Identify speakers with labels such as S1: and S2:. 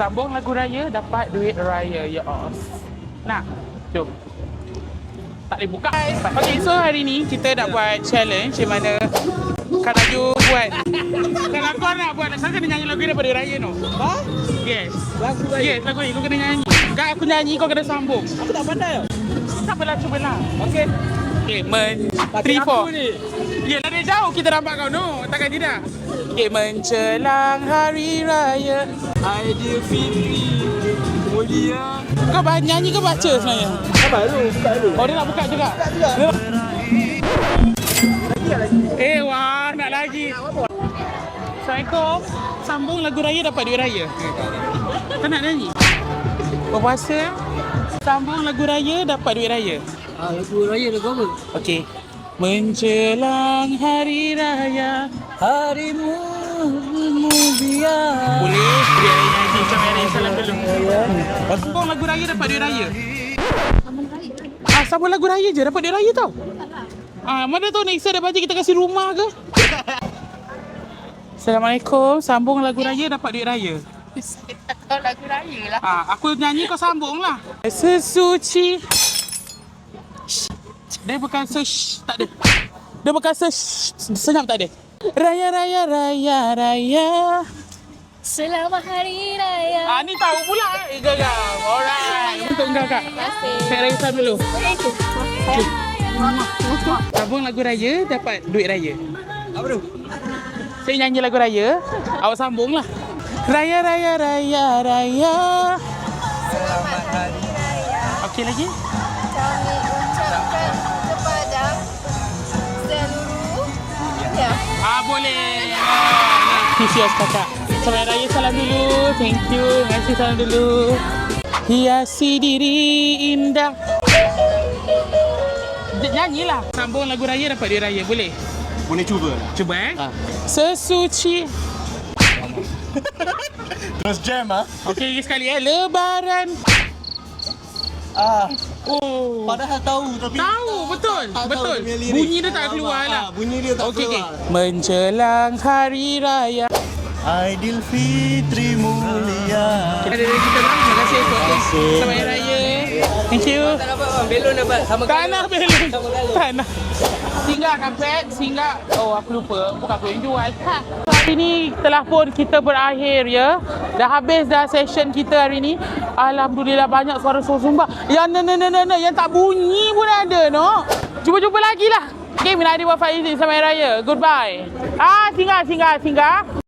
S1: Sambung lagu raya, dapat duit raya. Ya os. Nak? Jom. Tak boleh buka. Okay, so hari ni kita nak buat challenge di mana Kak Naju buat. Kalau kau nak buat, saya kena nyanyi lagu daripada raya no.
S2: Ha?
S1: Yes.
S2: Lagu raya?
S1: Yes, lagu ni kau kena nyanyi. Kak aku nyanyi, kau kena sambung.
S2: Aku tak pandai tau.
S1: Tak apalah, cubalah.
S2: Okey.
S1: Okay, 3, 4. Yelah dia jauh kita nampak kau no. Takkan tidak. Okay, menjelang hari raya
S2: Aidilfitri mulia.
S1: kau nyanyi ke baca sebenarnya?
S2: Sabar dulu, buka dulu.
S1: Oh dia nak buka juga?
S2: Lagi.
S1: Wah nak lagi. Assalamualaikum. Sambung lagu raya dapat duit raya. Kau nak nyanyi? Berpuasa. Sambung lagu raya dapat duit raya.
S2: Lagu raya lagu apa?
S1: Okey. Menjelang hari raya.
S2: Harimu mulia.
S1: Boleh biar nyanyi macam Raya Salam dulu. Sambung lagu raya dapat duit raya. Sambung lagu raya je dapat duit raya tau. Mana tahu next year dapat kita kasih rumah ke? Assalamualaikum. Sambung lagu raya dapat duit raya.
S3: Saya tak tahu lagu raya lah.
S1: Aku nyanyi kau sambung lah. Sesuci. Dia bukan tak ada. Dia bukan senyap tak ada. Raya raya raya raya.
S3: Selamat Hari Raya.
S1: Ni tahu pula. Geram. Alright. Untuk kau kak.
S3: Terima kasih.
S1: Saya Raya Salam dulu. Sambung lagu raya dapat duit raya.
S2: Apa tu?
S1: Saya nyanyi lagu raya. Awak sambung lah. Raya raya raya raya.
S3: Selamat Hari Raya.
S1: Okey lagi?
S3: Kami ucapkan kepada seluruh dunia.
S1: Boleh. Kisios kakak. Selamat Raya Salam dulu. Thank you. Terima kasih salam dulu. Hiasi diri indah. Nyanyilah. Sambung lagu raya dapat duit raya. Boleh?
S4: Boleh cuba.
S1: Cuba Sesuci.
S4: Terus jam
S1: Okey sekali Lebaran. Oh.
S4: Padahal tahu tapi
S1: Tahu betul.
S4: tak tahu
S1: Betul.
S4: dia punya lirik.
S1: Bunyi dia tak keluar lah.
S4: Bunyi dia tak
S1: Okey.
S4: keluar.
S1: Menjelang hari raya.
S4: Aidilfitri mulia.
S1: Ada dari kita bang. Terima kasih podcast. Selamat Hari Raya. Thank you.
S2: Tak dapat bang, belon dapat sama
S1: Tak nak belon.
S2: Sama kali.
S1: Tak nak. Singgah kampret, singgah. Oh aku lupa. Bukan aku yang jual. Hari ni telah pun kita berakhir ya. Dah habis dah session kita hari ni. Alhamdulillah banyak suara sumbang. Yang tak bunyi pun ada no. Jumpa-jumpa lagi lah. Okay, minat hadi wa faizin. Selamat Hari Raya. Goodbye. Singgah.